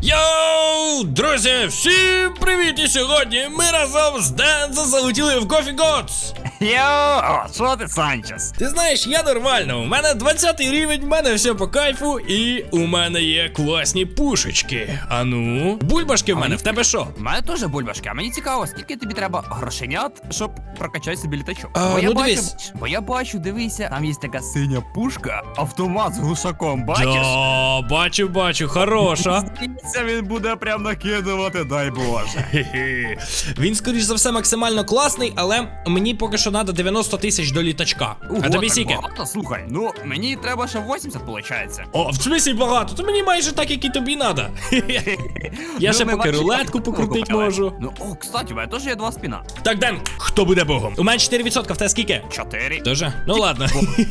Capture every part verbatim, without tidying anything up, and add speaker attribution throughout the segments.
Speaker 1: Йоу, друзі, всім привіт! І сьогодні ми разом з Дензо залетіли в Coffee Gods.
Speaker 2: Йоу, що ти, Санчес?
Speaker 1: Ти знаєш, я нормально, у мене двадцятий рівень, в мене все по кайфу, і у мене є класні пушечки. А ну, бульбашки в мене, в тебе що?
Speaker 2: У мене теж бульбашки, а мені цікаво, скільки тобі треба грошенят, щоб прокачати собі літачок.
Speaker 1: А,
Speaker 2: бо я
Speaker 1: ну
Speaker 2: бачу,
Speaker 1: дивись.
Speaker 2: бо я бачу, дивися, там є така синя пушка, автомат з глушаком, бачиш?
Speaker 1: Да, бачу, бачу, хороша.
Speaker 2: Здається, він буде прям накидувати, дай Боже.
Speaker 1: Хе-хе. Він, скоріш за все, максимально класний, але мені поки що треба дев'яносто тисяч до літачка.
Speaker 2: Ого,
Speaker 1: А тобі
Speaker 2: так
Speaker 1: скільки?
Speaker 2: багато, слухай, ну мені треба ще вісімдесят, виходить.
Speaker 1: О, в смислі багато, то мені майже так, як і тобі треба. Я ще поки рулетку покрутити можу.
Speaker 2: Ну, о, кстати, у мене теж є два спіна.
Speaker 1: Так, Ден, хто буде богом? У мене чотири відсотки, в тебе скільки?
Speaker 2: Чотири.
Speaker 1: Тоже? Ну ладно.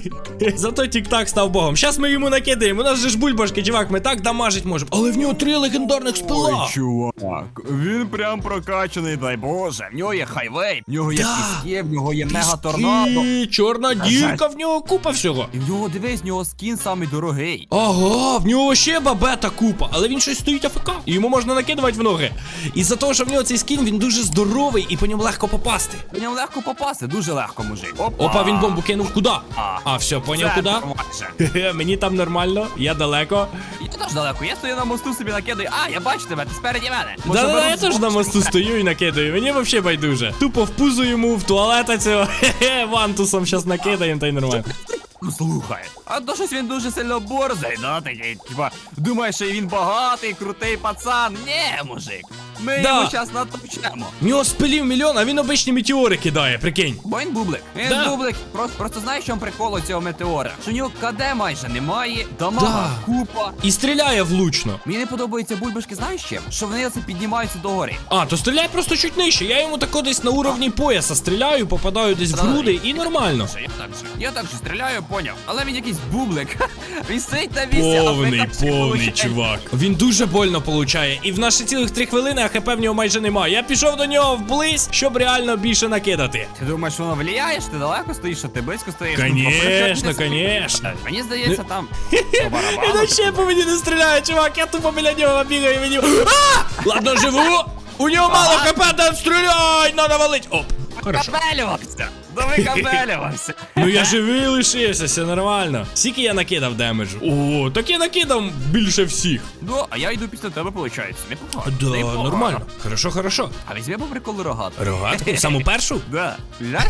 Speaker 1: Зато тік-так став богом. Щас ми йому накидаємо. У нас же ж бульбашки, чувак, ми так дамажить можемо. Але в нього три легендарних спила.
Speaker 2: Ой, чувак, він прям прокачаний, дай Боже. В нього є хайвей, в нього є
Speaker 1: Да.
Speaker 2: піски, в нього є мега-торнадо.
Speaker 1: Піски, чорна дірка, в нього купа всього.
Speaker 2: І в нього, дивись, в нього скін самий дорогий.
Speaker 1: Ага, в нього ще бабета купа, але він щось стоїть АФК. І йому можна накидувати в ноги. І-за того, що в нього цей скін, він дуже здоровий і по ньому легко попасти.
Speaker 2: По ньому легко попасти, дуже легко, мужик. Опа,
Speaker 1: Опа, він бомбу кинув куди?
Speaker 2: А.
Speaker 1: А, все, поняв
Speaker 2: Це
Speaker 1: куди?
Speaker 2: майже.
Speaker 1: Хе-хе, мені там нормально, я далеко.
Speaker 2: Я теж далеко, я стою на мосту собі накидаю. А, я бачу тебе, ти спереді мене. Може,
Speaker 1: Да-да,
Speaker 2: беру
Speaker 1: я теж
Speaker 2: з
Speaker 1: на
Speaker 2: боку,
Speaker 1: мосту
Speaker 2: щоб-
Speaker 1: стою і накидаю, мені взагалі байдуже. Тупо в пузо йому, в туалета цього, хе-хе, вантусом щас накидаємо, та й нормально.
Speaker 2: Ну слухай, а то щось він дуже сильно борзий, да, такий, типа, думає, що він багатий, крутий пацан. Ні, мужик, ми
Speaker 1: Да.
Speaker 2: йому щас натопчемо.
Speaker 1: В нього спилів мільйон, а він обичні метеори кидає, прикинь.
Speaker 2: Бо він бублик. Він
Speaker 1: Да.
Speaker 2: бублик. Просто, просто знаєш, в чому прикол у цього метеора? Що у нього КД майже немає, дамага
Speaker 1: Да.
Speaker 2: купа.
Speaker 1: І стріляє влучно.
Speaker 2: Мені не подобаються бульбашки, знаєш чим? Що вони оце піднімаються догори.
Speaker 1: А, то стріляй просто чуть нижче. Я йому тако десь на уровні пояса стріляю, попадаю десь в груди і нормально.
Speaker 2: Я так же, я так же стріляю, поняв. Але він якийсь бублик. Він стоїть на місці, а
Speaker 1: Повний,
Speaker 2: фрикавчик
Speaker 1: повний
Speaker 2: получає.
Speaker 1: чувак. Він дуже больно получає. І в наші цілих три хвилини, а хп в нього майже немає. Я пішов до нього вблизь, щоб реально більше накидати.
Speaker 2: Ти думаєш, воно влияє, що ти далеко стоїш, що ти близько стоїш? Ну,
Speaker 1: Конечно,
Speaker 2: попри-
Speaker 1: конечно.
Speaker 2: Мені здається, там по
Speaker 1: Він
Speaker 2: барабану.
Speaker 1: вообще по мені не стріляє, чувак, я тупо біля нього бігаю, мені. А! Ладно, живу! У нього мало хп, да стріляй! Надо валить! Оп! Хорошо.
Speaker 2: Капелювався! Да ви капелювався!
Speaker 1: Ну я живий лишився, все нормально. Скільки я накидав демеджу? О, так я накидав більше всіх.
Speaker 2: Ну, а я йду після тебе, виходить. Непогано.
Speaker 1: Да,
Speaker 2: Непогано.
Speaker 1: нормально. Хорошо, хорошо.
Speaker 2: А візьми по приколу рогатку.
Speaker 1: Рогатку? Саму першу?
Speaker 2: Да. Знаєш?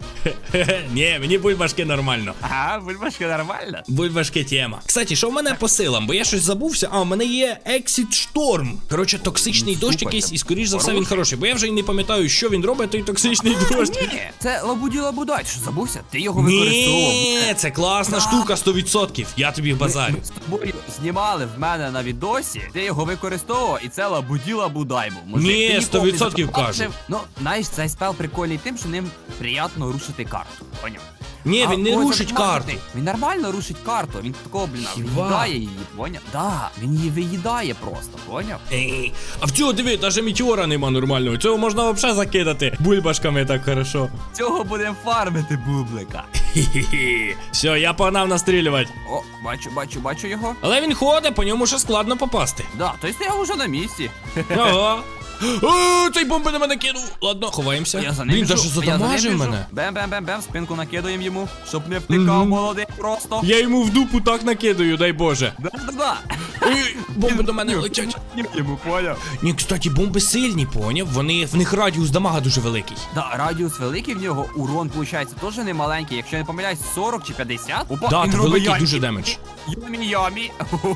Speaker 1: Хе-хе, ні, мені бульбашки нормально.
Speaker 2: Ага, бульбашка нормально.
Speaker 1: Бульбашки тема. Кстати, що в мене по силам? Бо я щось забувся. А, у мене є Exit Storm. Коротше, токсичний
Speaker 2: Ну,
Speaker 1: дощ
Speaker 2: супер,
Speaker 1: якийсь,
Speaker 2: це
Speaker 1: і скоріш за все він
Speaker 2: хороший.
Speaker 1: хороший. Бо я вже й не пам'ятаю, що він робить, той токсичний дощ.
Speaker 2: Ні, це лабуді-лабудай. Ти що, забувся? Ти його використовував.
Speaker 1: Ні, це класна
Speaker 2: Да.
Speaker 1: штука, сто відсотків. Я тобі базарю.
Speaker 2: Ми з тобою знімали в мене на відосі, ти його використовував, і це лабуділа-будай був. Мужик,
Speaker 1: Ні,
Speaker 2: ти ніколи
Speaker 1: сто відсотків
Speaker 2: не побачив.
Speaker 1: кажу.
Speaker 2: Ну, знаєш, цей спел прикольний тим, що ним приємно рушити карту. Поняв?
Speaker 1: Ні,
Speaker 2: А
Speaker 1: він не
Speaker 2: ось
Speaker 1: рушить
Speaker 2: автоматик,
Speaker 1: карту.
Speaker 2: Він нормально рушить карту, він такого, блін,
Speaker 1: Хіба?
Speaker 2: виїдає її, поняв? Да, він її виїдає просто, поняв?
Speaker 1: Ей, а в цього диви, навіть метеора нема нормального. Цього можна взагалі закидати бульбашками так хорошо.
Speaker 2: Цього будемо фармити бублика.
Speaker 1: Хі-хі-хі. Все, я погнав настрілювати.
Speaker 2: О, бачу, бачу, бачу його.
Speaker 1: Але він ходить, по ньому ще складно попасти.
Speaker 2: Да, той стояв уже на місці.
Speaker 1: Ага. О, цей бомби на мене кинув. Ладно, ховаємося.
Speaker 2: Я за ним
Speaker 1: Він
Speaker 2: біжу,
Speaker 1: даже
Speaker 2: я за ним
Speaker 1: задамажив
Speaker 2: біжу.
Speaker 1: мене.
Speaker 2: Бем-бем-бем-бем, спинку накидаємо йому, щоб не втикав
Speaker 1: Мгм.
Speaker 2: молодий просто.
Speaker 1: Я йому в дупу так накидаю, дай Боже.
Speaker 2: Да-да-да.
Speaker 1: Ой, бомби до мене летять.
Speaker 2: Ні, йому поняв.
Speaker 1: Ні, кстати, бомби сильні, поняв? Вони, в них радіус дамага дуже великий.
Speaker 2: Да, радіус великий в нього, урон, виходить, теж не маленький. Якщо я не помиляюсь, сорок чи п'ятдесят. Опа,
Speaker 1: Да,
Speaker 2: він
Speaker 1: це
Speaker 2: робить
Speaker 1: великий
Speaker 2: ямі.
Speaker 1: дуже демедж.
Speaker 2: Ямі-ямі.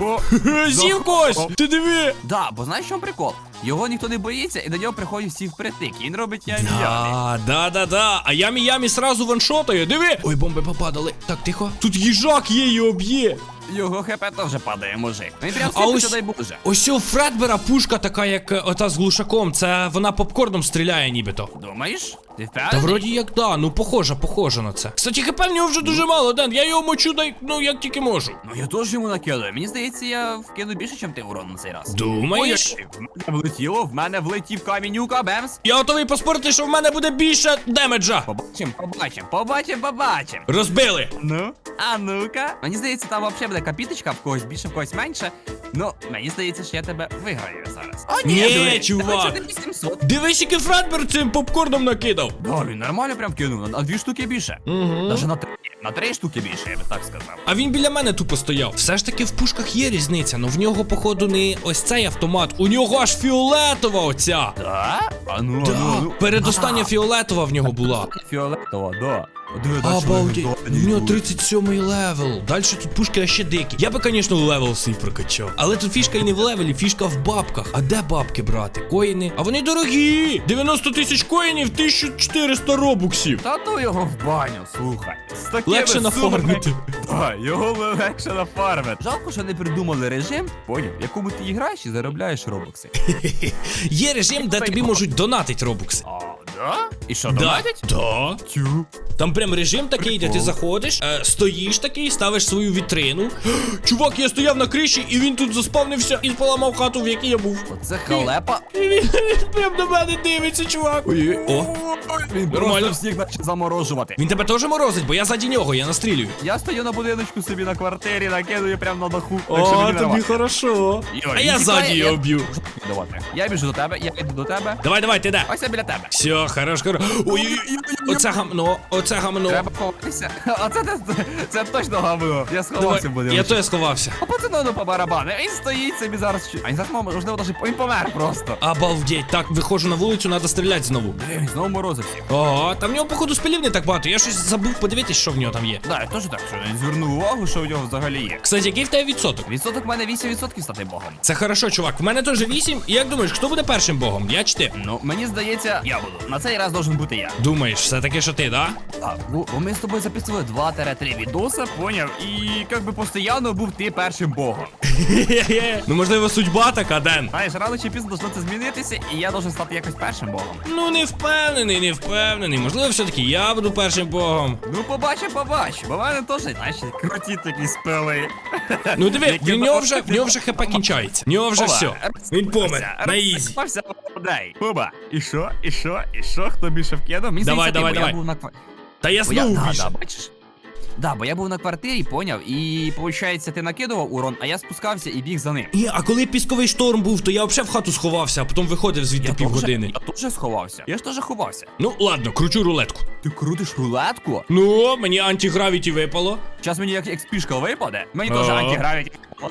Speaker 1: З'їв когось! Ти диви!
Speaker 2: Да, бо знаєш, в чому прикол? Його ніхто не боїться, і до нього приходять всі впритик. І він робить ямі-ямі.
Speaker 1: Да, да, да, да. А ямі-ямі сразу ваншотає, диви! Ой, бомби попадали. Так, тихо. Тут їжак є і об'є.
Speaker 2: Його хп теж падає, мужик. Він прям
Speaker 1: А
Speaker 2: сіпиться,
Speaker 1: ось-
Speaker 2: дай Боже.
Speaker 1: Ось у Фредбера пушка така, як е, ота з глушаком. Це вона попкорном стріляє нібито.
Speaker 2: Думаєш? Ти впевнений?
Speaker 1: Та вроді як да, ну похоже, похоже на це. Кстати, хп в нього вже дуже мало, Ден, я його мочу, дай, ну як тільки можу.
Speaker 2: Ну я теж йому накидаю. Мені здається, я вкину більше, ніж ти урон на цей раз.
Speaker 1: Думаєш?
Speaker 2: Ой, в мене влетіло, в мене влетів камінюка, бемс.
Speaker 1: Я готовий поспорити, що в мене буде більше демеджа.
Speaker 2: Побачим, побачим, побачим, побачим.
Speaker 1: Розбили.
Speaker 2: Ну, а ну-ка. Мені здається, там взагалі буде капіточка, в когось більше, в когось менше. Ну, мені здається, що я тебе виграю зараз. О,
Speaker 1: Ні,
Speaker 2: диви,
Speaker 1: чувак.
Speaker 2: тебе вісімсот.
Speaker 1: Дивись, який Фредберг цим попкорном накидав.
Speaker 2: Да, він нормально прям кинув, на дві штуки більше.
Speaker 1: Угу.
Speaker 2: Даже на три, на три штуки більше, я би так сказав.
Speaker 1: А він біля мене тупо стояв. Все ж таки в пушках є різниця, но в нього, походу, не ось цей автомат. У нього аж фіолетова оця.
Speaker 2: Да? А ну, а
Speaker 1: Да,
Speaker 2: ну, а ну.
Speaker 1: передостання фіолетова в нього була.
Speaker 2: Фіолетова, да. Диви, дальше
Speaker 1: Обалдеть,
Speaker 2: легендарні
Speaker 1: в нього
Speaker 2: йдуть.
Speaker 1: тридцять сьомий левел. Далі тут пушки ще дикі. Я би, звісно, левел свій прокачав. Але тут фішка і не в левелі, фішка в бабках. А де бабки брати? Коїни? А вони дорогі! дев'яносто тисяч коїнів, тисяча чотириста робуксів.
Speaker 2: Та ну його в баню, слухай. З такими
Speaker 1: Легше
Speaker 2: сумами-
Speaker 1: нафармити.
Speaker 2: Да, його легше нафармити. Жалко, що не придумали режим, поняв, в якому ти граєш і заробляєш робокси.
Speaker 1: Є режим, де тобі можуть донатити робукси.
Speaker 2: А, да? І що,
Speaker 1: Да.
Speaker 2: донатять?
Speaker 1: Да.
Speaker 2: Тю.
Speaker 1: Там прям режим такий, де ти
Speaker 2: Прикол.
Speaker 1: заходиш, е, стоїш такий, ставиш свою вітрину. Чувак, я стояв на криші, і він тут заспавнився і поламав хату, в якій я був.
Speaker 2: Оце халепа.
Speaker 1: І він, він прям до мене дивиться, чувак. Ой, о.
Speaker 2: Він
Speaker 1: Нормально.
Speaker 2: просто всіх почне заморожувати.
Speaker 1: Він тебе теж морозить, бо я заді нього, я настрілюю.
Speaker 2: Я стою на будиночку собі на квартирі, накидую прямо на даху. Так що
Speaker 1: О,
Speaker 2: мені
Speaker 1: тобі
Speaker 2: нормально.
Speaker 1: хорошо.
Speaker 2: Йо,
Speaker 1: А
Speaker 2: він
Speaker 1: я
Speaker 2: тікає,
Speaker 1: ззаді
Speaker 2: я-
Speaker 1: його б'ю.
Speaker 2: Давайте. Я біжу до тебе, я йду до тебе.
Speaker 1: Давай, давай, ти де?
Speaker 2: Ось я біля тебе.
Speaker 1: Все, хорош, хорош. Ой, оце гамно, оце гамно.
Speaker 2: Треба ховатися. А це, це, це точно гавно. Я
Speaker 1: Давай,
Speaker 2: сховався в
Speaker 1: я
Speaker 2: будиночку.
Speaker 1: теж сховався.
Speaker 2: А пацану ну по барабану. Він стоїть собі зараз. А він зараз, можливо, навіть він помер просто.
Speaker 1: Обалдеть, так, виходжу на вулицю, треба стріляти знову.
Speaker 2: Блін, він знову морозив всіх.
Speaker 1: Ого, там в нього, походу, спилів не так багато. Я щось забув подивитись, що в нього там є.
Speaker 2: Да, я теж так, що він звернув увагу, що в нього взагалі є.
Speaker 1: Кстати, який в тебе відсоток?
Speaker 2: Відсоток в мене вісім відсотків стати богом.
Speaker 1: Це хорошо, чувак. В мене теж вісім. І як думаєш, хто буде першим богом? Я чи ти?
Speaker 2: Ну, мені здається, я буду. На цей раз должен бути я.
Speaker 1: Думаєш, все-таки, що ти, да?
Speaker 2: А, бо, бо ми з тобою записували два-три відоса, поняв? І як би постійно був ти першим богом.
Speaker 1: Ну, можливо, судьба така, Ден.
Speaker 2: Знаєш, рано чи пізно должно це змінитися, і я должен стати якось першим богом.
Speaker 1: Ну, не впевнений, не впевнений. Можливо, все-таки я буду першим богом.
Speaker 2: Ну, побачимо, побачимо. Бо в мене теж, знаєш, круті такі спили.
Speaker 1: Ну, диви,
Speaker 2: Які
Speaker 1: в нього
Speaker 2: на-
Speaker 1: вже, в нього вже хп кінчається. В нього вже
Speaker 2: Опа,
Speaker 1: все. Він помер.
Speaker 2: розсипався,
Speaker 1: На ізі.
Speaker 2: розсипався, дай. Оба. І що, і що, і що, хто більше вкинув? Мені
Speaker 1: Давай,
Speaker 2: здається, ти,
Speaker 1: давай,
Speaker 2: бо
Speaker 1: давай.
Speaker 2: Я був на ква-
Speaker 1: Та я
Speaker 2: бо я,
Speaker 1: знову
Speaker 2: да,
Speaker 1: більше.
Speaker 2: да, бачиш? Да, бо я був на квартирі, поняв, і, виходить, ти накидував урон, а я спускався і біг за ним.
Speaker 1: Ні, а коли пісковий шторм був, то я взагалі в хату сховався, а потім виходив звідти
Speaker 2: Я
Speaker 1: півгодини.
Speaker 2: теж- Я теж сховався. Я ж теж ховався.
Speaker 1: Ну, ладно, кручу рулетку.
Speaker 2: Ти крутиш рулетку?
Speaker 1: Ну, мені антигравіті випало.
Speaker 2: Зараз мені як експішка випаде. Мені теж
Speaker 1: Ага.
Speaker 2: антигравіті.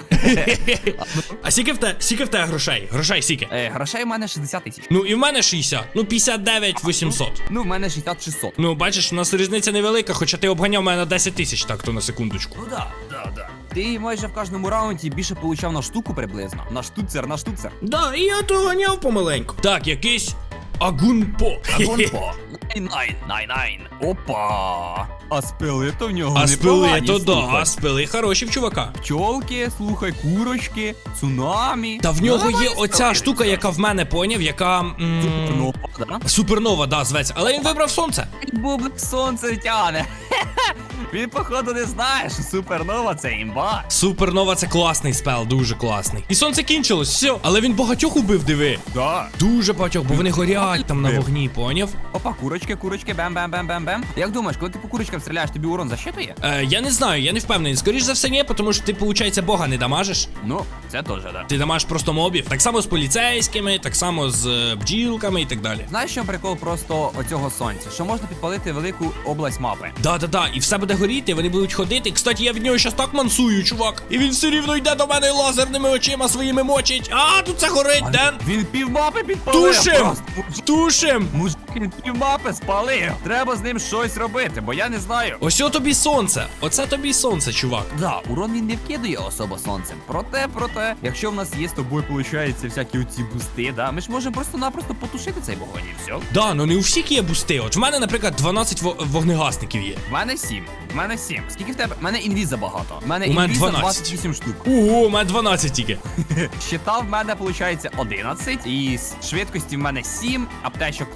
Speaker 1: А скільки в те, скільки в те грошей? Грошей скільки?
Speaker 2: Е, Грошей у мене шістдесят тисяч.
Speaker 1: Ну і в мене шістдесят. Ну, п'ятдесят дев'ять вісімсот.
Speaker 2: Ну, в мене шістдесят шістсот.
Speaker 1: Ну, бачиш, у нас різниця невелика, хоча ти обганяв мене на десять тисяч, так то на секундочку.
Speaker 2: Ну да, да, да. Ти майже в кожному раунді більше получав на штуку приблизно. На штуцер, на штуцер.
Speaker 1: Да, і я то ганяв помаленьку. Так, якийсь Агунпо.
Speaker 2: Агонпо. Найн, найн, найн. Опа. А спили то в нього
Speaker 1: А спили,
Speaker 2: непогані,
Speaker 1: то да,
Speaker 2: слухай.
Speaker 1: а спили хороші в чувака.
Speaker 2: Пчолки, слухай, курочки, цунамі.
Speaker 1: Та в нього
Speaker 2: Ну,
Speaker 1: є
Speaker 2: давай
Speaker 1: оця
Speaker 2: спили.
Speaker 1: штука, яка в мене поняв, яка. м,
Speaker 2: Ну, да?
Speaker 1: Супернова, да, зветься. Але він вибрав сонце.
Speaker 2: Бублик сонце тяне. Він, походу, не знає, що супернова це імба.
Speaker 1: Супернова це класний спел, дуже класний. І сонце кінчилось, все. Але він багатьох убив, диви.
Speaker 2: Да.
Speaker 1: Дуже багатьох, бо вони горять там на вогні, поняв?
Speaker 2: Опа, курочки, курочки, бем-бем-бем-бем-бем. Як думаєш, коли ти по курочкам стріляєш, тобі урон защитує?
Speaker 1: Е, я не знаю, я не впевнений. Скоріш за все, ні, тому що ти, виходить, бога не дамажиш.
Speaker 2: Ну, це теж, да.
Speaker 1: Ти дамажиш просто мобів. Так само з поліцейськими, так само з е, бджілками і так далі.
Speaker 2: Знаєш, що прикол просто оцього сонця? Що можна підпалити велику область мапи.
Speaker 1: Да-да-да, і все буде горіти, вони будуть ходити. Кстати, я від нього щас так мансую, чувак. І він все рівно йде до мене і лазерними очима своїми мочить. А, тут це горить, Ден.
Speaker 2: Він півмапи підпалив.
Speaker 1: Тушим!
Speaker 2: просто. Мужик,
Speaker 1: Тушим!
Speaker 2: мужик, він півмапи спалив. Треба з ним щось робити, бо я не знаю.
Speaker 1: Ось о тобі сонце. Оце тобі сонце, чувак.
Speaker 2: Да, урон він не вкидує особо сонцем. Проте, проте, якщо в нас є з тобою, виходить, всякі оці бусти, да, ми ж можемо просто-напросто потушити цей вогонь і все.
Speaker 1: Да, ну не у всіх є бусти. От в мене, наприклад, дванадцять во- вогнегасників є.
Speaker 2: В мене сім. В мене сім. Скільки в тебе? В мене інвіза багато. В мене
Speaker 1: У мене
Speaker 2: інвіза
Speaker 1: дванадцять.
Speaker 2: двадцять вісім штук.
Speaker 1: Ого, у мене дванадцять тільки.
Speaker 2: Щита в мене виходить одинадцять, і з швидкості в мене сім, аптечок три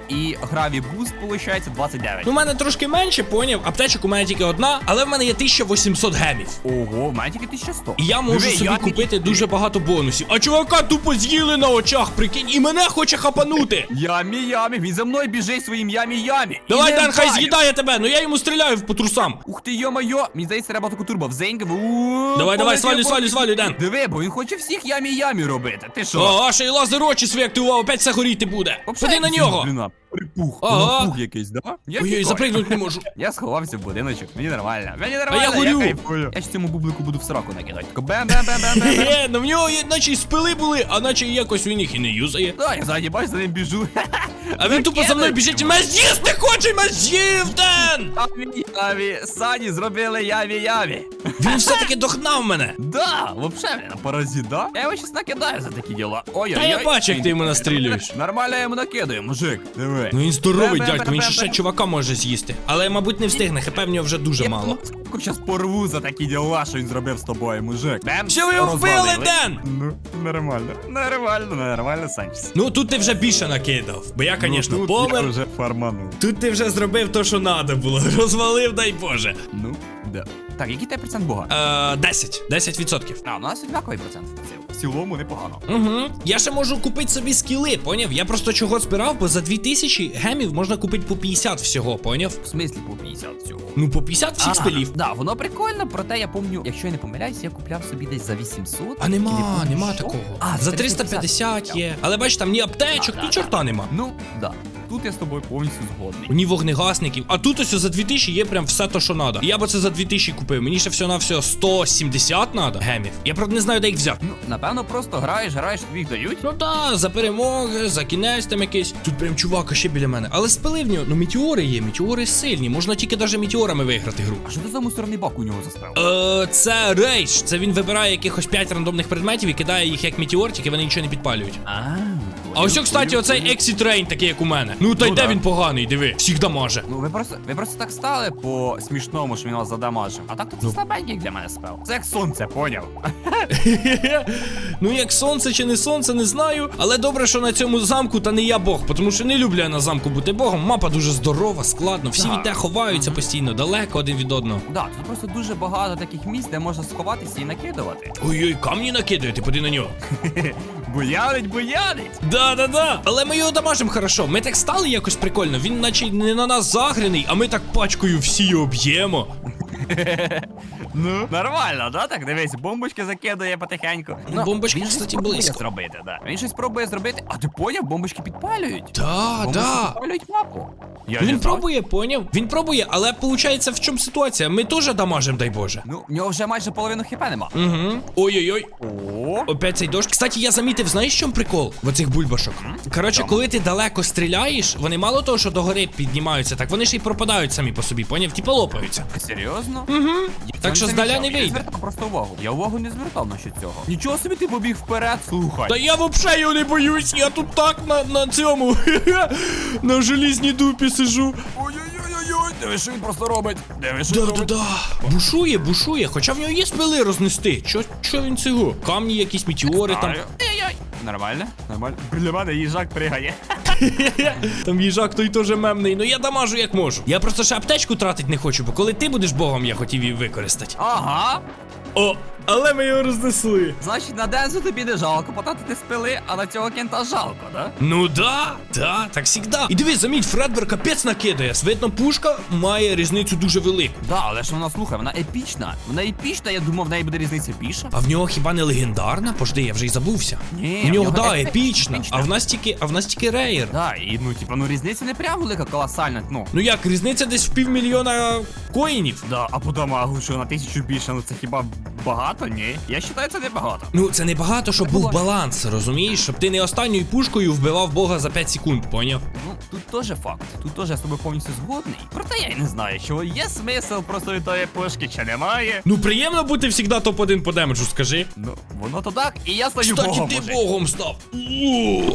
Speaker 2: і граві буст, виходить, двадцять дев'ять.
Speaker 1: Ну, у мене трошки менше, поняв. Аптечок у мене тільки одна, але в мене є тисяча вісімсот гемів.
Speaker 2: Ого, в мене тільки тисяча сто.
Speaker 1: І я можу
Speaker 2: Диви,
Speaker 1: собі
Speaker 2: я
Speaker 1: купити
Speaker 2: тільки-
Speaker 1: дуже багато бонусів. А чувака тупо з'їли на очах, прикинь, і мене хоче хапанути.
Speaker 2: Ямі, ямі, він за мною біжить своїм ямі-ямі.
Speaker 1: Давай,
Speaker 2: І не
Speaker 1: Дан, хай
Speaker 2: вдарю.
Speaker 1: з'їдає тебе, ну я йому стріляю по трусам.
Speaker 2: Ух ти, йо-моє, мені здається, треба таку турбо взенька.
Speaker 1: Давай, давай, свалюй, свалюй, свалюй, Дан.
Speaker 2: Диви, бо він хоче всіх ямі-ямі робити. Ти що?
Speaker 1: О, а ще й лазер очі свої активував, опять все горіти буде. Ходи на нього.
Speaker 2: Блін, припух.
Speaker 1: Ага.
Speaker 2: Припух якийсь, да? Я
Speaker 1: Ой-ой,
Speaker 2: тікаю.
Speaker 1: запригнути не можу.
Speaker 2: Я сховався в будиночок, мені нормально. Мені нормально,
Speaker 1: я горю.
Speaker 2: кайфую. Я ж цьому бублику буду в сраку накидати. Тако бем-бем-бем-бем-бем.
Speaker 1: Хе, ну в нього є, наче й спили були, а наче якось він їх і не юзає.
Speaker 2: Да, я ззаді, бач, за ним біжу.
Speaker 1: А він тупо за мною біжить і мене з'їсти хоче, мене з'їв, Ден!
Speaker 2: Ямі-ямі, Сані зробили ямі-ямі.
Speaker 1: Він все-таки догнав мене.
Speaker 2: Да, вообще, блин, паразит, да? Я його щас накидаю за такі діла. Ой-ой-ой.
Speaker 1: Та я бачу, як ти йому настрілюєш.
Speaker 2: Нормально я йому накидаю, мужик. Диви.
Speaker 1: Ну він здоровий,
Speaker 2: Бе-бе-бе-бе-бе.
Speaker 1: дядько, він ще ще чувака може з'їсти. Але, мабуть, не встигне, хп в нього вже дуже
Speaker 2: Я
Speaker 1: мало.
Speaker 2: ну, щас порву за такі діла, що він зробив з тобою, мужик. Бем,
Speaker 1: Що ви його вбили,
Speaker 2: розвалили.
Speaker 1: Ден?
Speaker 2: Ну, нормально. Нормально, нормально, Санчес.
Speaker 1: Ну тут ти вже більше накидав, бо я, звісно,
Speaker 2: Ну, тут я
Speaker 1: помер.
Speaker 2: вже фарманув.
Speaker 1: Тут ти вже зробив то, що треба було. Розвалив, дай Боже.
Speaker 2: Ну, да. Так, який тебе процент бога?
Speaker 1: Е, десять. десять відсотків.
Speaker 2: А, у нас однаковий процент. В цілому непогано.
Speaker 1: Угу. Я ще можу купити собі скіли, поняв? Я просто чого збирав, бо за дві тисячі гемів можна купити по п'ятдесят всього, поняв?
Speaker 2: В смислі по п'ятдесят цього.
Speaker 1: Ну по п'ятдесят всіх спилів.
Speaker 2: Да, воно прикольно, проте я помню, якщо я не помиляюсь, я купляв собі десь за вісімсот.
Speaker 1: А
Speaker 2: і не
Speaker 1: нема,
Speaker 2: помню,
Speaker 1: нема
Speaker 2: що.
Speaker 1: такого.
Speaker 2: А,
Speaker 1: За триста п'ятдесят є. Але бачиш, там ні аптечок,
Speaker 2: Да,
Speaker 1: ні
Speaker 2: да,
Speaker 1: чорта нема.
Speaker 2: Ну, да. Тут я з тобою повністю згодний.
Speaker 1: Ні вогнегасників. А тут ось за дві тисячі є прям все то, що треба. Я би це за дві тисячі купив. Мені ще всього на всього сто сімдесят треба гемів. Я правда не знаю, де їх взяти.
Speaker 2: Ну, напевно, просто граєш, граєш, тобі їх дають.
Speaker 1: Ну та, за перемоги, за кінець там якийсь. Тут прям чувака ще біля мене. Але спили в нього, ну метеори є, метеори сильні. Можна тільки навіть метеорами виграти гру.
Speaker 2: А що це за мусорний бак у нього заставив?
Speaker 1: Е, це рейдж. Це він вибирає якихось п'ять рандомних предметів і кидає їх як метеортики, вони нічого не підпалюють.
Speaker 2: А,
Speaker 1: А ось, кстати, оцей Exit Rain такий, як у мене. Ну та й
Speaker 2: Ну
Speaker 1: де
Speaker 2: да.
Speaker 1: він поганий, диви. Всіх дамаже.
Speaker 2: Ну ви просто ви просто так стали по смішному, що він вас задамажив. А так то це слабенький як для мене спел. Це як сонце, поняв?
Speaker 1: Ну як сонце чи не сонце, не знаю. Але добре, що на цьому замку та не я Бог, тому що не люблю я на замку бути богом. Мапа дуже здорова, складно. Всі
Speaker 2: Так.
Speaker 1: від те ховаються постійно, далеко один від одного.
Speaker 2: Да, тут просто дуже багато таких місць, де можна сховатися і накидувати.
Speaker 1: Ой-ой, камні накидає, ти поди на нього.
Speaker 2: Буянить, буянить!
Speaker 1: Да-да-да. Але ми його дамажимо хорошо. Ми так стали якось прикольно. Він наче не на нас загряний, а ми так пачкою всі його б'ємо.
Speaker 2: Ну, нормально, да? Так, дивись, бомбочки закидає потихеньку.
Speaker 1: Ну, бомбочки,
Speaker 2: він щось
Speaker 1: кстати,
Speaker 2: пробує
Speaker 1: близько.
Speaker 2: зробити, да. Він щось пробує зробити. А ти поняв, бомбочки підпалюють?
Speaker 1: Да,
Speaker 2: Бомбочки
Speaker 1: да.
Speaker 2: підпалюють мапу. Я
Speaker 1: Він
Speaker 2: не знав.
Speaker 1: пробує, поняв? Він пробує, але виходить, в чому ситуація? Ми теж дамажимо, дай Боже.
Speaker 2: Ну, в нього вже майже половину хп нема.
Speaker 1: Угу. Ой-ой-ой.
Speaker 2: О,
Speaker 1: Опять цей дощ. Кстати, я замітив, знаєш, в чому прикол в оцих бульбашок? Коротше,
Speaker 2: Чому?
Speaker 1: коли ти далеко стріляєш, вони мало того, що догори піднімаються, так вони ще й пропадають самі по собі, поняв? Типа лопаються.
Speaker 2: серйозно?
Speaker 1: Угу.
Speaker 2: Я
Speaker 1: Так
Speaker 2: це
Speaker 1: що
Speaker 2: не
Speaker 1: здаля
Speaker 2: замічав.
Speaker 1: не
Speaker 2: Я не
Speaker 1: вийде.
Speaker 2: звертав просто увагу. Я увагу не звертав на що цього. Нічого собі ти побіг вперед, слухай.
Speaker 1: Та я вообще його не боюсь, я тут так на, на цьому на желізній дупі сижу.
Speaker 2: Ой-ой-ой-ой, диви, що він просто робить. Диви, що він робить.
Speaker 1: Да-да-да. Бушує, бушує, хоча в нього є спили рознести. Чо, чо він цього? Камні якісь, метеори там.
Speaker 2: Знаю. Ай-яй-яй. Нормально, нормально. Біля мене їжак пригає.
Speaker 1: Там їжак той теж мемний, ну я дамажу як можу. Я просто ще аптечку тратить не хочу, бо коли ти будеш богом, я хотів її використати.
Speaker 2: Ага.
Speaker 1: О, але ми його рознесли.
Speaker 2: Значить, на Дензу тобі не жалко потратити спили, а на цього кента жалко, да?
Speaker 1: Ну да, да, так завжди. І дивись, заміть, Фредбер капець накидає. Видно, пушка має різницю дуже велику.
Speaker 2: Да, але ж вона, слухай, вона епічна. Вона епічна, я думав, в неї буде різниця більша.
Speaker 1: А в нього хіба не легендарна? Пожди, я вже й забувся.
Speaker 2: Ні,
Speaker 1: У
Speaker 2: в
Speaker 1: нього,
Speaker 2: нього
Speaker 1: да,
Speaker 2: епі-
Speaker 1: епічна.
Speaker 2: епічна.
Speaker 1: А в нас тільки, а в нас тільки рейер.
Speaker 2: Да, і ну, типа, ну різниця не прям велика, колосальна, ну.
Speaker 1: Ну як, різниця десь в півмільйона коїнів.
Speaker 2: Да, а по дамагу, що на тисячу більше, ну це хіба багато? Ні. Я вважаю, це не багато.
Speaker 1: Ну, це не багато, щоб був баланс, розумієш? Щоб ти не останньою пушкою вбивав бога за п'ять секунд, поняв?
Speaker 2: Ну, тут теж факт. Тут теж я з тобою повністю згодний. Проте я й не знаю, що є смисл просто від тої пушки, чи немає.
Speaker 1: Ну, приємно бути завжди топ один по демеджу, скажи.
Speaker 2: Ну, воно то так, і я стаю
Speaker 1: Кстати,
Speaker 2: богом,
Speaker 1: ти
Speaker 2: мужик.
Speaker 1: богом став. Ууу.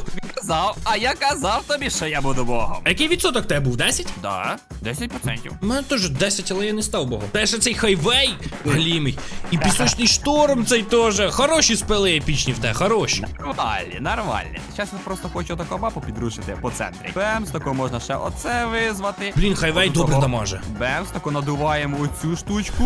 Speaker 2: казав, а я казав тобі, що я буду богом.
Speaker 1: А який відсоток тебе був? десять?
Speaker 2: Да, десять відсотків.
Speaker 1: У мене теж десять, але я не став богом. Та ще цей хайвей глімий. І пісочний шторм цей теж. Хороші спели епічні в те, хороші.
Speaker 2: Нормальні, нормальні. Зараз я просто хочу таку мапу підрушити по центрі. Бемс, тако можна ще оце визвати.
Speaker 1: Блін, хайвей
Speaker 2: Отут
Speaker 1: добре
Speaker 2: того.
Speaker 1: дамаже.
Speaker 2: Бемс, тако надуваємо оцю штучку.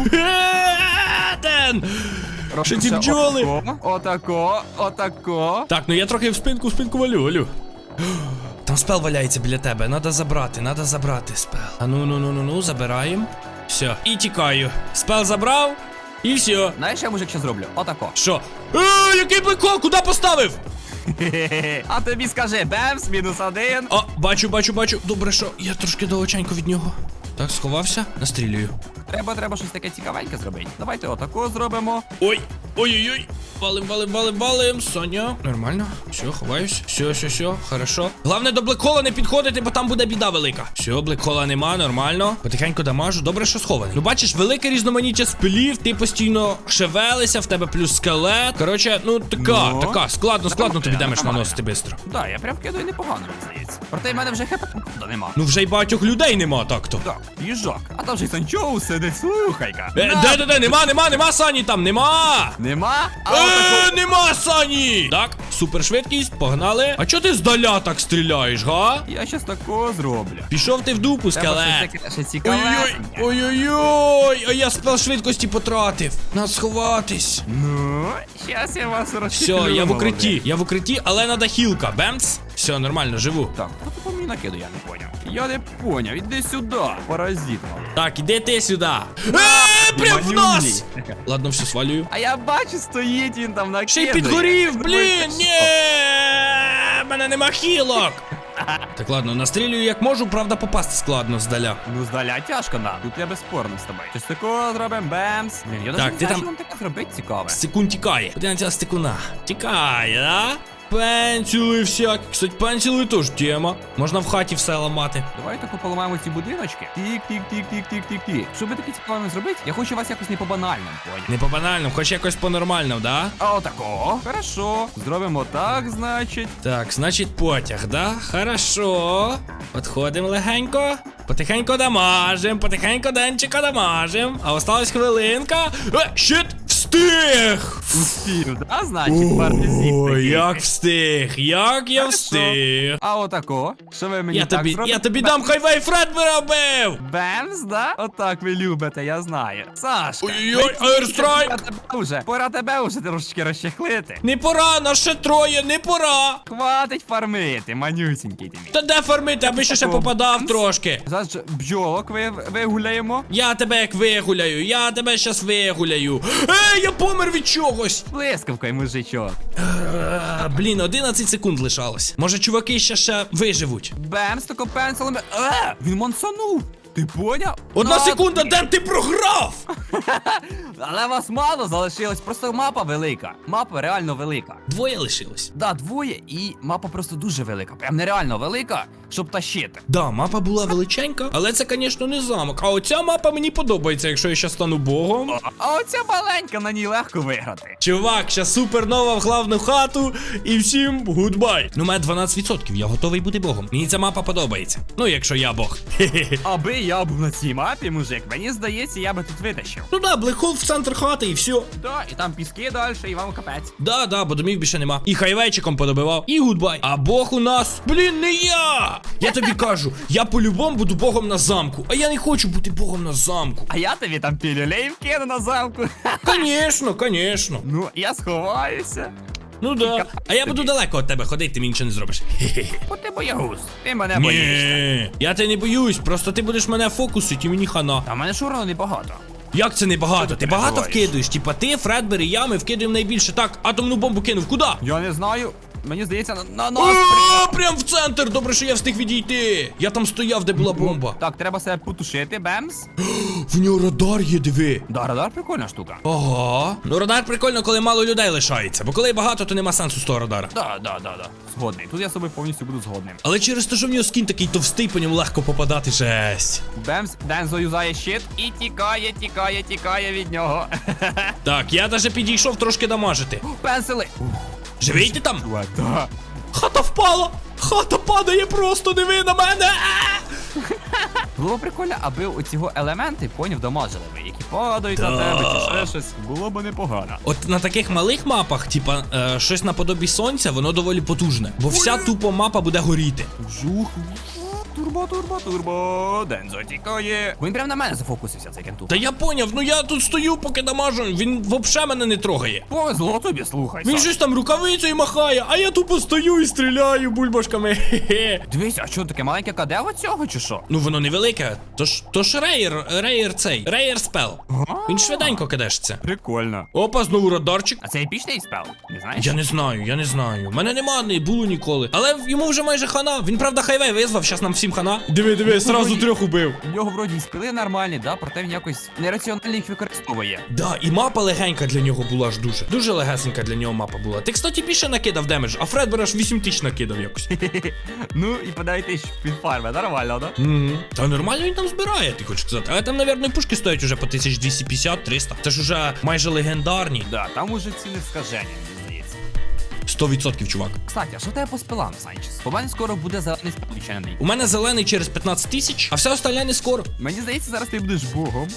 Speaker 1: Ден!
Speaker 2: Робимо
Speaker 1: Що ці
Speaker 2: ще
Speaker 1: бджоли?
Speaker 2: Отако, отако, отако.
Speaker 1: Так, ну я трохи в спинку, в спинку валю, валю. Там спел валяється біля тебе, надо забрати, надо забрати спел. А ну ну ну ну ну, забираємо. Все, і тікаю. Спел забрав, і все.
Speaker 2: Знаєш, я мужик ще зроблю? Отако.
Speaker 1: Що? Е, який блекол, куди поставив?
Speaker 2: А тобі скажи, Бемс, мінус один.
Speaker 1: О, бачу, бачу, бачу. Добре, що я трошки далеченько від нього. Так, сховався, настрілюю.
Speaker 2: Треба, треба щось таке цікавеньке зробити. Давайте отако зробимо.
Speaker 1: Ой, ой-ой-ой. Валим, валим, валим, валим, Соня. Нормально. Все, ховаюсь. Все, все, все, хорошо. Головне до блекхола не підходити, бо там буде біда велика. Все, блекхола нема, нормально. Потихеньку дамажу. Добре, що схований. Ну бачиш, велике різноманіття спилів, ти постійно шевелися, в тебе плюс скелет. Коротше, ну така,
Speaker 2: Ну,
Speaker 1: така. Складно, складно тобі
Speaker 2: нормально,
Speaker 1: демедж
Speaker 2: нормально.
Speaker 1: наносити швидко.
Speaker 2: Да, я прям кидаю непогано, мені здається. Проте в мене вже хп нема.
Speaker 1: Ну вже й багатьох людей нема так-то.
Speaker 2: Так, їжак. А там же й Санчоу сидить, слухайка.
Speaker 1: Е,
Speaker 2: На.
Speaker 1: де, де, де, нема, нема, нема Сані там, нема.
Speaker 2: Нема? А
Speaker 1: Е,
Speaker 2: отако.
Speaker 1: нема Сані! Так, супершвидкість, погнали. А чого ти здаля так стріляєш, га?
Speaker 2: Я щас тако зроблю.
Speaker 1: Пішов ти в дупу,
Speaker 2: Треба
Speaker 1: скелет.
Speaker 2: щось таке ще
Speaker 1: Ой-ой-ой,
Speaker 2: цікавесеньке.
Speaker 1: ой-ой-ой, а я спел швидкості потратив. Надо сховатись.
Speaker 2: Ну, щас я вас
Speaker 1: Все,
Speaker 2: розчеплю.
Speaker 1: я в
Speaker 2: молодець.
Speaker 1: укритті, я в укритті, але надо хілка. Бемц. Все, нормально, живу.
Speaker 2: Так, хто тут по мені накиду, я не поняв. Я не поняв, іди сюди, паразит малий.
Speaker 1: Так, іди ти сюди. Е, прям в нас!
Speaker 2: Манюній.
Speaker 1: Ладно, все, свалюю.
Speaker 2: А я бачу, стоїть він там накидає.
Speaker 1: Ще й підгорів, блін,
Speaker 2: Ой,
Speaker 1: ні! Мене нема хілок. Так, ладно, настрілюю як можу, правда попасти складно здаля.
Speaker 2: Ну, здаля тяжко нам. Тут я безспорно з тобою. Щось такого зробимо, бемс. Блін, я
Speaker 1: Так,
Speaker 2: навіть
Speaker 1: ти
Speaker 2: не знаю,
Speaker 1: там-
Speaker 2: що нам таке зробити цікаве.
Speaker 1: Секунд тікає. Подивіться стикуна. Тікає, да? Пенсіли всякі. Кстати, пенсіли теж тема. Можна в хаті все ламати.
Speaker 2: Давай тако поламаємо ці будиночки. Тік-тік-тік-тік-тік-тік-тік. Щоб таке цікаве зробити, я хочу вас якось не по банальному, поняв?
Speaker 1: Не по банальному, хоч якось по нормальному, да?
Speaker 2: А отако. Хорошо. Зробимо так, значить.
Speaker 1: Так, значить потяг, да? Хорошо. Подходимо легенько. Потихенько дамажим, потихенько денчика дамажим. А осталась хвилинка. Е, щит! Встиг!
Speaker 2: Успів, да, значить, партизит
Speaker 1: Ой,
Speaker 2: такий.
Speaker 1: як встиг, як я
Speaker 2: Хорошо.
Speaker 1: встиг.
Speaker 2: А отако. Що ви мені
Speaker 1: Я
Speaker 2: так
Speaker 1: тобі,
Speaker 2: зробите?
Speaker 1: я тобі дам хайвей Фредбера бив!
Speaker 2: Бемс, да? Отак ви любите, я знаю. Сашка.
Speaker 1: Ой-ой-ой, Airstrike!
Speaker 2: Пора тебе вже, пора тебе вже трошечки розчехлити.
Speaker 1: Не пора, нас ще троє, не пора!
Speaker 2: Хватить фармити, манюсінький ти мій.
Speaker 1: Та де фармити, аби ще ще попадав трошки.
Speaker 2: Зараз же бджолок ви, вигуляємо.
Speaker 1: Я тебе як вигуляю, я тебе щас вигуляю. Ей, я помер від чогось.
Speaker 2: Блискавкою, мужичок.
Speaker 1: Е, Блін, одинадцять секунд лишалось. Може, чуваки ще ще виживуть.
Speaker 2: Бемс, тако пенсилами. Е, він мансанув. Ти поняв?
Speaker 1: Одна
Speaker 2: На
Speaker 1: секунда,
Speaker 2: тобі.
Speaker 1: Ден, ти програв!
Speaker 2: Але вас мало залишилось, просто мапа велика. Мапа реально велика.
Speaker 1: Двоє лишилось.
Speaker 2: Да, двоє, і мапа просто дуже велика. Прям нереально велика, щоб тащити.
Speaker 1: Да, мапа була величенька, але це, звісно, не замок. А оця мапа мені подобається, якщо я ще стану богом.
Speaker 2: А оця маленька, на ній легко виграти.
Speaker 1: Чувак, ще супернова в главну хату і всім гудбай. Ну, у мене дванадцять відсотків, я готовий бути богом. Мені ця мапа подобається. Ну, якщо я бог. Хе-хе.
Speaker 2: Аби я був на цій мапі, мужик, мені здається, я би тут витащив.
Speaker 1: Ну да, блекхол в центр хати і все.
Speaker 2: Да, і там піски далі, і вам капець.
Speaker 1: Да, да, бо домів більше нема. І хайвейчиком подобивав, і гудбай. А бог у нас, блін, не я! Я тобі кажу, я по-любому буду богом на замку. А я не хочу бути богом на замку.
Speaker 2: А я тобі там пілюлей вкину на замку.
Speaker 1: Конечно, конечно.
Speaker 2: Ну, я сховаюся.
Speaker 1: Ну да. А я буду далеко від тебе ходити, ти мені нічого не зробиш. Хе-хе.
Speaker 2: Бо ти боягуз. Ти мене боїшся.
Speaker 1: Ні, я тебе не боюсь, просто ти будеш мене фокусити і мені хана.
Speaker 2: А в мене шурано небагато.
Speaker 1: Як це не багато?
Speaker 2: Що
Speaker 1: Ти
Speaker 2: ти
Speaker 1: багато
Speaker 2: переживаєш?
Speaker 1: вкидуєш? Типа ти, Фредбер і я, ми вкидуємо найбільше. Так, атомну бомбу кинув. Куди?
Speaker 2: Я не знаю. Мені здається, на, на нас.
Speaker 1: О, прям в центр! Добре, що я встиг відійти. Я там стояв, де була бомба.
Speaker 2: Так, треба себе потушити, бемс.
Speaker 1: В нього радар є, диви.
Speaker 2: Да, радар прикольна штука.
Speaker 1: Ага. Ну радар прикольно, коли мало людей лишається, бо коли багато, то нема сенсу з того радара.
Speaker 2: Да, да, да, да. Згодний. Тут я з собою повністю буду згодним.
Speaker 1: Але через те, що в нього скін такий товстий, по ньому легко попадати, жесть.
Speaker 2: Бемс, Дензо юзає щит і тікає, тікає, тікає від нього.
Speaker 1: Так, я даже підійшов трошки дамажити.
Speaker 2: Пенсили.
Speaker 1: Живий ти там?
Speaker 2: Чувак, да.
Speaker 1: Хата впала! Хата падає просто, диви на мене!
Speaker 2: Було б прикольно, аби оці елементи, поняв, дамажили би, які падають на
Speaker 1: Да.
Speaker 2: тебе чи ще щось. Було б непогано.
Speaker 1: От на таких малих мапах, типа, е, щось наподобі сонця, воно доволі потужне. Бо вся тупо мапа буде горіти.
Speaker 2: Жух. Турбо, турбо, турбо. Дензо тікає. Він прям на мене зафокусився, цей кентух.
Speaker 1: Та я поняв, ну я тут стою, поки дамажу, він вообще мене не трогає.
Speaker 2: Повезло тобі, слухай.
Speaker 1: Він
Speaker 2: Саш.
Speaker 1: щось там рукавицею махає, а я тупо стою і стріляю бульбашками. Хе-хе.
Speaker 2: Дивись, а що таке маленьке кадево цього чи що?
Speaker 1: Ну воно невелике, то ж, то ж рейер, рейер цей, рейер спел. Він швиденько кидешся.
Speaker 2: Прикольно.
Speaker 1: Опа, знову радарчик.
Speaker 2: А це епічний спел? Не знаєш?
Speaker 1: Я не знаю, я не знаю. Мене нема, не було ніколи. Але йому вже майже хана. Він, правда, хайвей визвав, щас нам всім хана. Диви, диви, сразу трьох убив.
Speaker 2: У нього вроді і спили нормальні, да, проте він якось нераціонально їх використовує.
Speaker 1: Да, і мапа легенька для нього була ж дуже. Дуже легесенька для нього мапа була. Ти, кстати, більше накидав демедж, а Фредбер аж вісім тисяч накидав якось.
Speaker 2: Ну і подайте під фарми, нормально, да?
Speaker 1: Угу. Та нормально він там збирає, ти хочеш сказати. Але там, навірно, пушки стоять уже по тисяча двісті п'ятдесят - триста. Це ж уже майже легендарні.
Speaker 2: Да, там уже ціни скажені, мені здається.
Speaker 1: сто відсотків, чувак.
Speaker 2: Кстати, а що в тебе по спилам, Санчес? По мене скоро буде зелений спил відчинений.
Speaker 1: У мене зелений через п'ятнадцять тисяч, а все остальне не скоро.
Speaker 2: Мені здається, зараз ти будеш богом.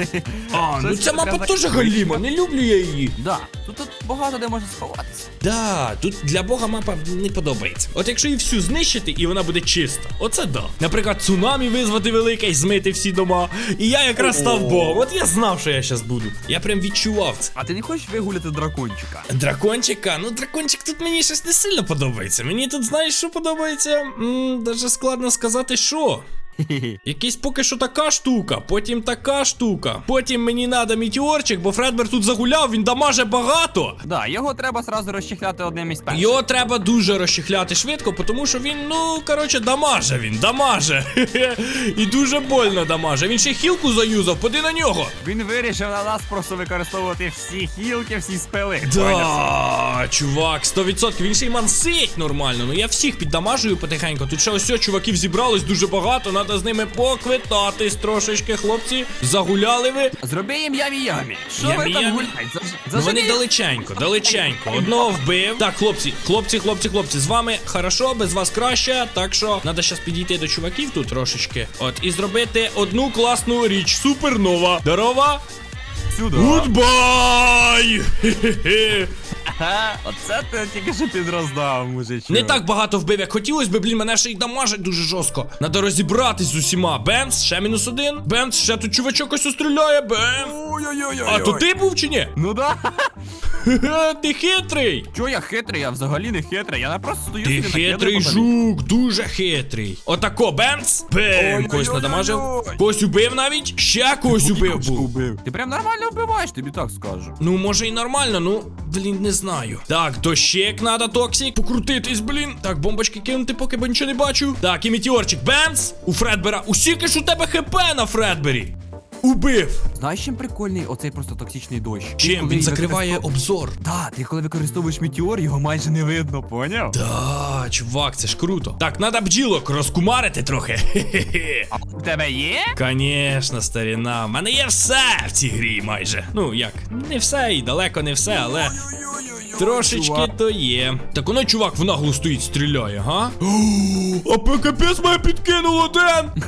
Speaker 1: А, ну
Speaker 2: Щось
Speaker 1: ця
Speaker 2: прям
Speaker 1: мапа
Speaker 2: так
Speaker 1: теж галіма, не люблю я її.
Speaker 2: Да, тут, тут багато де може сховатися.
Speaker 1: Да, тут для бога мапа не подобається. От якщо її всю знищити, і вона буде чиста, оце да. Наприклад, цунамі визвати велике і змити всі дома. І я якраз став богом. От я знав, що я щас буду. Я прям відчував це.
Speaker 2: А ти не хочеш вигуляти дракончика?
Speaker 1: Дракончика, ну дракончик тут мені щось не сильно подобається. Мені тут, знаєш, що подобається? М, даже складно сказати, що. Якийсь поки що така штука, потім така штука. Потім мені надо мітеорчик, бо Фредбер тут загуляв, він дамаже багато.
Speaker 2: Да, його треба сразу розчехляти одним із перших.
Speaker 1: Його треба дуже розчехляти швидко, тому що він, ну, коротше, дамаже він, дамаже. І дуже больно дамаже. Він ще хілку заюзав, поди на нього.
Speaker 2: Він вирішив на нас просто використовувати всі хілки, всі спели. Поняв?
Speaker 1: Да, чувак, сто відсотків. Він ще й мансить нормально. Ну я всіх піддамажую потихеньку. Тут ще ось чуваків зібралось дуже багато. Надо з ними поквитатись трошечки, хлопці. Загуляли ви.
Speaker 2: Зроби їм ямі-ямі. Що ви
Speaker 1: Ямі-ямі?
Speaker 2: там гуляєте? Заж...
Speaker 1: Ну вони
Speaker 2: заженіть.
Speaker 1: далеченько, далеченько. Одного вбив. Так, хлопці, хлопці, хлопці, хлопці, з вами хорошо, без вас краще. Так що треба зараз підійти до чуваків тут трошечки. От, і зробити одну класну річ. Супернова. Здорова.
Speaker 2: Сюди.
Speaker 1: Гудбай! Хе-хе-хе.
Speaker 2: Ага, оце ти тільки що підроздав, мужичок.
Speaker 1: Не так багато вбив, як хотілось би, блін, мене ще й дамажить дуже жорстко. Надо розібратись з усіма. Бемс, ще мінус один. Бемс, ще тут чувачок ось стріляє. Бем.
Speaker 2: Ой-ой-ой.
Speaker 1: А то ти був чи ні?
Speaker 2: Ну да.
Speaker 1: Хе-хе, ти хитрий.
Speaker 2: Чо я хитрий? Я взагалі не хитрий. Я не просто стою
Speaker 1: Ти
Speaker 2: собі накидаю
Speaker 1: хитрий
Speaker 2: по тобі.
Speaker 1: жук, дуже хитрий. Отако, бемс. Бем,
Speaker 2: Ой-ой-ой-ой-ой.
Speaker 1: когось надамажив. Когось убив навіть. Ще когось убив був.
Speaker 2: Ти прям нормально вбиваєш, тобі так скажу.
Speaker 1: Ну, може і нормально, ну, блін, не знаю. Так, дощек надо, токсик. Покрутитись, блін. Так, бомбочки кинути, поки бо нічого не бачу. Так, і метеорчик. Бемс. У Фредбера. Усіки ж у тебе хп на Фредбері. Убив.
Speaker 2: Знаєш, чим прикольний оцей просто токсичний дощ? Ти
Speaker 1: Чим?
Speaker 2: коли
Speaker 1: Він закриває
Speaker 2: використов-
Speaker 1: обзор.
Speaker 2: Да, ти коли використовуєш метеор, його майже не видно, поняв?
Speaker 1: Да, чувак, це ж круто. Так, надо бджілок розкумарити трохи. Хе-хе-хе.
Speaker 2: А у тебе є?
Speaker 1: Конечно, старіна. В мене є все в цій грі майже. Ну як, не все і далеко не все, але трошечки
Speaker 2: чувак.
Speaker 1: то є. Так воно, чувак, в наглу стоїть, стріляє, га? А ПКПС мене підкинуло, Ден!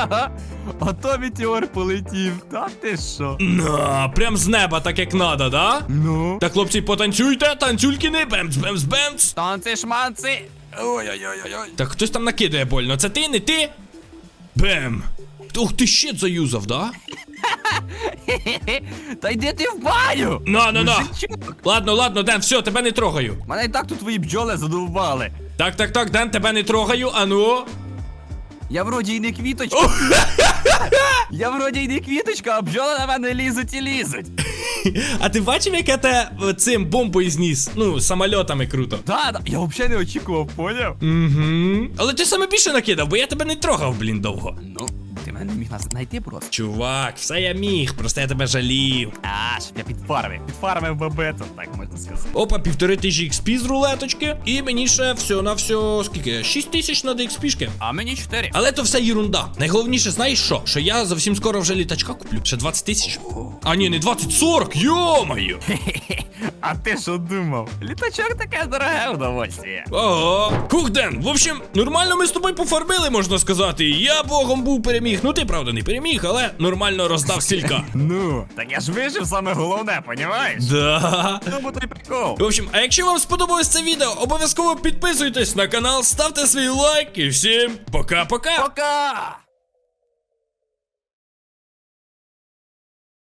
Speaker 2: А то метеор полетів, та ти що?
Speaker 1: На, прям з неба, так як надо, да?
Speaker 2: Ну?
Speaker 1: Так, хлопці, потанцюйте, танцюлькини, бемц, бемц, бемц.
Speaker 2: Танці шманці. Ой-ой-ой-ой.
Speaker 1: Так, хтось там накидає больно. Це ти, не ти? Бем. Ух, ти щит заюзав, да?
Speaker 2: Та йди ти в баню!
Speaker 1: На, на, на.
Speaker 2: Мужичок.
Speaker 1: Ладно, ладно, Ден, все, тебе не трогаю.
Speaker 2: Мене і так тут твої бджоли задовбали.
Speaker 1: Так, так, так, Ден, тебе не трогаю, а ну.
Speaker 2: Я вроді й не квіточка. Я вроді й не квіточка, а бджоли на мене лізуть і лізуть.
Speaker 1: А ти бачив, як я те е, цим бомбою зніс? Ну, самольотами круто.
Speaker 2: Да, да, я взагалі не очікував, поняв?
Speaker 1: Угу. Але ти саме більше накидав, бо я тебе не трогав, блін, довго.
Speaker 2: Ну, ти мене не міг нас знайти просто.
Speaker 1: Чувак, все я міг, просто я тебе жалів.
Speaker 2: А, щоб я підфармив. Підфармив бабету, так можна сказати.
Speaker 1: Опа, півтори тисячі експі з рулеточки. І мені ще все на все, скільки? шість тисяч надо експішки.
Speaker 2: А мені чотири.
Speaker 1: Але то все єрунда. Найголовніше, знаєш що? Що я зовсім скоро вже літачка куплю. Ще двадцять тисяч. А ні, не двадцять, сорок, йо-моє.
Speaker 2: А ти що думав? Літачок таке дороге удовольствие.
Speaker 1: Ага. Кухден, в общем, нормально ми з тобою пофарбили, можна сказати. Я богом був переміг. Ну ти правда не переміг, але нормально роздав стілька.
Speaker 2: Ну, так я ж вижив саме головне, понімаєш?
Speaker 1: Да.
Speaker 2: Ну, бо той прикол.
Speaker 1: В общем, а якщо вам сподобалось це відео, обов'язково підписуйтесь на канал, ставте свій лайк і всім пока-пока.
Speaker 2: Пока!